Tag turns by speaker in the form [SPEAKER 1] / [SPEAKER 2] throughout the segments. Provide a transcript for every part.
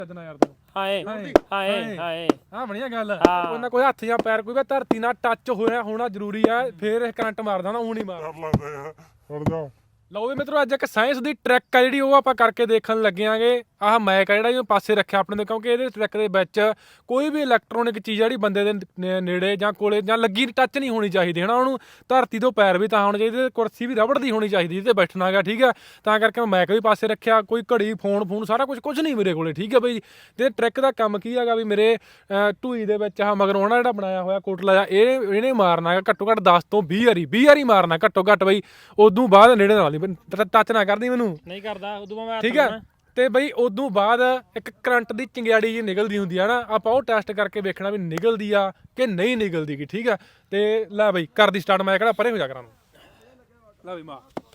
[SPEAKER 1] ਯਾਰ ਤੂੰ
[SPEAKER 2] ਹਾਏ ਹਾਏ ਹਾਏ
[SPEAKER 1] ਹਾਂ ਬਣੀਆ ਗੱਲ ਉਹਨਾਂ ਕੋਈ ਹੱਥ ਜਾਂ ਪੈਰ ਕੋਈ ਵੀ ਧਰਤੀ ਨਾਲ ਟੱਚ ਹੋਣਾ ਜ਼ਰੂਰੀ ਆ ਫੇਰ ਇਹ ਕਰੰਟ ਮਾਰਦਾ ਨਾ ਉਹ ਨਹੀਂ ਮਾਰਦਾ ਲਓ ਵੀ ਮਿੱਤਰੋ ਅੱਜ ਇੱਕ ਸਾਇੰਸ ਦੀ ਟ੍ਰਿਕ ਆ ਜਿਹੜੀ ਉਹ ਆਪਾਂ ਕਰਕੇ ਦੇਖਣ ਲੱਗਿਆਂਗੇ ਆਹ ਮੈਕ ਆ ਜਿਹੜਾ ਇਹ ਪਾਸੇ ਰੱਖਿਆ ਆਪਣੇ ਦੇ ਕਿਉਂਕਿ ਇਹਦੇ ਟ੍ਰਿਕ ਦੇ ਵਿੱਚ ਕੋਈ ਵੀ ਇਲੈਕਟ੍ਰੋਨਿਕ ਚੀਜ਼ ਜਿਹੜੀ ਬੰਦੇ ਦੇ ਨੇੜੇ ਜਾਂ ਕੋਲੇ ਜਾਂ ਲੱਗੀ ਟੱਚ ਨਹੀਂ ਹੋਣੀ ਚਾਹੀਦੀ ਹਨਾ ਉਹਨੂੰ ਧਰਤੀ ਤੋਂ ਪੈਰ ਵੀ ਤਾਂ ਹੋਣੇ ਚਾਹੀਦੇ ਕੁਰਸੀ ਵੀ ਰਬੜ ਦੀ ਹੋਣੀ ਚਾਹੀਦੀ ਜਿਹਦੇ ਬੈਠਣਾ ਹੈਗਾ ਠੀਕ ਆ ਤਾਂ ਕਰਕੇ ਮੈਂ ਮੈਕ ਵੀ ਪਾਸੇ ਰੱਖਿਆ ਕੋਈ ਘੜੀ ਫੋਨ ਸਾਰਾ ਕੁਝ ਨਹੀਂ ਮੇਰੇ ਕੋਲੇ ਠੀਕ ਆ ਬਈ ਤੇ ਟ੍ਰਿਕ ਦਾ ਕੰਮ ਕੀ ਹੈਗਾ ਵੀ ਮੇਰੇ ਢੂਈ ਦੇ ਵਿੱਚ ਆਹ ਮਗਰੋਂ ਨਾ ਜਿਹੜਾ ਬਣਾਇਆ ਹੋਇਆ ਕੋਟਲਾ ਜਾ ਇਹਨੇ ਮਾਰਨਾ ਹੈਗਾ ਘੱਟੋ ਘੱਟ 10 ਤੋਂ 20 ਵਾਰੀ ਮਾਰਨਾ ਘੱਟੋ ਘੱਟ ਬਈ ਉਦੋਂ ਬਾਅਦ ਨੇੜੇ ਨਾਲ ਟੱਚ ਨਾ ਕਰਦੀ ਮੈਨੂੰ
[SPEAKER 2] ਨਹੀਂ ਕਰਦਾ ਉਦੋਂ ਮੈਂ
[SPEAKER 1] ਠੀਕ ਆ ਤੇ ਬਈ ਉਦੋਂ ਬਾਅਦ ਇੱਕ ਕਰੰਟ ਦੀ ਚਿੰਗਿਆੜੀ ਜੀ ਨਿਕਲਦੀ ਹੁੰਦੀ ਆ ਨਾ ਆਪਾਂ ਉਹ ਟੈਸਟ ਕਰਕੇ ਵੇਖਣਾ ਵੀ ਨਿਕਲਦੀ ਆ ਕਿ ਨਹੀਂ ਨਿਕਲਦੀ ਗੀ ਠੀਕ ਆ ਤੇ ਲੈ ਬਈ ਕਰਦੀ ਸਟਾਰਟ ਮੈਂ ਕਿਹੜਾ ਪਰੇ ਹੋ ਜਾ ਕਰਾਂ ਲੈ ਬਈ ਮਾਂ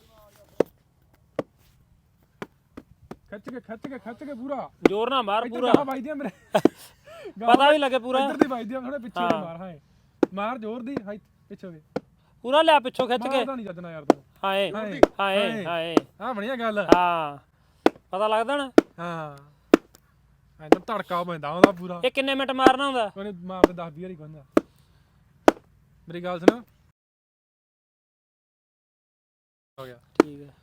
[SPEAKER 1] ਖਿੱਚ ਕੇ ਪੂਰਾ
[SPEAKER 2] ਜ਼ੋਰ ਨਾ ਮਾਰ ਪੂਰਾ
[SPEAKER 1] ਵੱਜਦੀ ਆ ਮੇਰੇ
[SPEAKER 2] ਪਤਾ ਵੀ ਲੱਗੇ ਪੂਰਾ
[SPEAKER 1] ਇੱਧਰ ਦੀ ਵੱਜਦੀ ਆ ਥੋੜੇ ਪਿੱਛੇ ਮਾਰ ਹਾਂ ਮਾਰ ਜ਼ੋਰ ਦੀ ਹਾਈ ਪਿੱਛੇ ਵੇ
[SPEAKER 2] ਪੂਰਾ ਲਿਆ ਪਿੱਛੋਂ ਖਿੱਚ ਕੇ
[SPEAKER 1] ਨਹੀਂ ਜੱਜਣਾ ਯਾਰ ਤੂੰ
[SPEAKER 2] ਹਾਏ ਹਾਏ ਹਾਏ
[SPEAKER 1] ਹਾਂ ਬਣੀਆ ਗੱਲ
[SPEAKER 2] ਹਾਂ ਪਤਾ ਲੱਗਦਾ ਨਾ
[SPEAKER 1] ਹਾਂ ਐਂ ਤਾਂ ਧੜਕਾ ਪੈਂਦਾ ਉਹਦਾ ਪੂਰਾ
[SPEAKER 2] ਇਹ ਕਿੰਨੇ ਮਿੰਟ ਮਾਰਨਾ ਹੁੰਦਾ
[SPEAKER 1] ਉਹਨੇ ਮਾਰਦੇ 10 ਵਾਰੀ ਕਹਿੰਦਾ ਮੇਰੀ ਗੱਲ ਸੁਣ ਹੋ ਗਿਆ
[SPEAKER 2] ਠੀਕ ਹੈ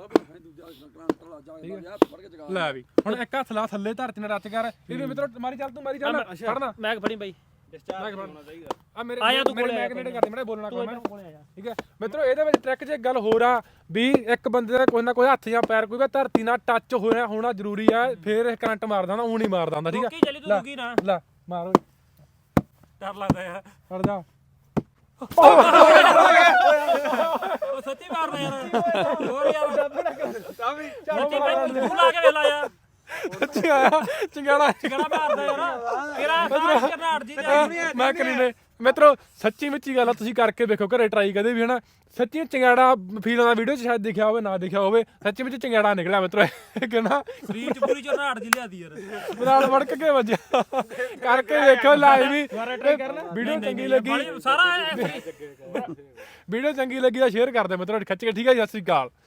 [SPEAKER 1] ਲੈ ਵੀ ਹੁਣ ਇੱਕ ਹੱਥ ਲਾ ਥੱਲੇ ਧਰਤੀ ਨਾਲ ਰੱਚ ਕਰ ਇਹ ਵੀ ਮਿੱਤਰੋ ਮਾਰੀ ਚੱਲ ਫੜਨਾ
[SPEAKER 2] ਮੈਂ ਫੜੀ ਬਾਈ
[SPEAKER 1] ਆ ਮੇਰੇ ਮੈਕ ਨੇੜੇ ਕਰਦੇ ਮੈਂ ਬੋਲਣਾ ਕੋਈ ਮੈਂ ਠੀਕ ਹੈ ਮਿੱਤਰੋ ਇਹਦੇ ਵਿੱਚ ਟ੍ਰਿਕ 'ਚ ਇੱਕ ਗੱਲ ਹੋਰ ਆ ਵੀ ਇੱਕ ਬੰਦੇ ਦਾ ਕੋਈ ਨਾ ਕੋਈ ਹੱਥ ਜਾਂ ਪੈਰ ਕੋਈ ਵੀ ਧਰਤੀ ਨਾਲ ਟੱਚ ਹੋਣਾ ਜ਼ਰੂਰੀ ਆ ਫੇਰ ਇਹ ਕਰੰਟ ਮਾਰਦਾ ਨਾ ਉਹ ਨਹੀਂ ਮਾਰਦਾ ਹੁੰਦਾ ਠੀਕ ਆ ਲੈ ਮਾਰੋ
[SPEAKER 2] ਡਰ ਲੱਗਦਾ ਯਾਰ
[SPEAKER 1] ਫੜ ਜਾ
[SPEAKER 2] ਉਹ ਸੱਚੀ ਮਾਰਦਾ ਯਾਰ ਹੋਰ ਯਾਰ ਸੱਚੀ ਬਾਈ ਤੂੰ ਲਾ ਕੇ ਵੇਲਾ ਯਾਰ
[SPEAKER 1] ਸੱਚੀ ਆਇਆ ਚੰਗਾੜਾ
[SPEAKER 2] ਮਾਰਦਾ ਯਾਰ ਤੇਰਾ ਕਰਨਾੜ ਜੀ
[SPEAKER 1] ਮੈਂ ਕਰੀਨੇ ਮਿੱਤਰੋ ਸੱਚੀ ਮੁੱਚੀ ਗੱਲ ਆ ਤੁਸੀਂ ਕਰਕੇ ਵੇਖੋ ਘਰੇ ਟਰਾਈ ਕਦੇ ਵੀ ਹਨਾ ਸੱਚੀ ਚੰਗਾੜਾ ਫੀਲ ਆਉਂਦਾ ਵੀਡੀਓ 'ਚ ਸ਼ਾਇਦ ਦਿਖਿਆ ਹੋਵੇ ਨਾ ਦਿਖਿਆ ਹੋਵੇ ਸੱਚੀ ਵਿੱਚ ਚੰਗਾੜਾ ਨਿਕਲਿਆ ਮਿੱਤਰੋ ਕਹਿੰਦਾ
[SPEAKER 2] ਸਰੀਰ 'ਚ ਪੂਰੀ ਚਰਨਾੜ ਜੀ ਲਿਆਦੀ ਯਾਰ
[SPEAKER 1] ਨਾਲ ਵੜਕ ਕੇ ਵੱਜਿਆ ਕਰਕੇ ਵੇਖੋ ਲਾਈਵ ਵੀ ਵੀਡੀਓ ਚੰਗੀ ਲੱਗੀ
[SPEAKER 2] ਸਾਰਾ
[SPEAKER 1] ਵੀਡੀਓ ਚੰਗੀ ਲੱਗੀ ਤਾਂ ਸ਼ੇਅਰ ਕਰ ਦਿਓ ਮਿੱਤਰੋ ਖਿੱਚ ਕੇ ਠੀਕ ਹੈ ਜੀ ਸਤਿ ਸ਼੍ਰੀ ਅਕਾਲ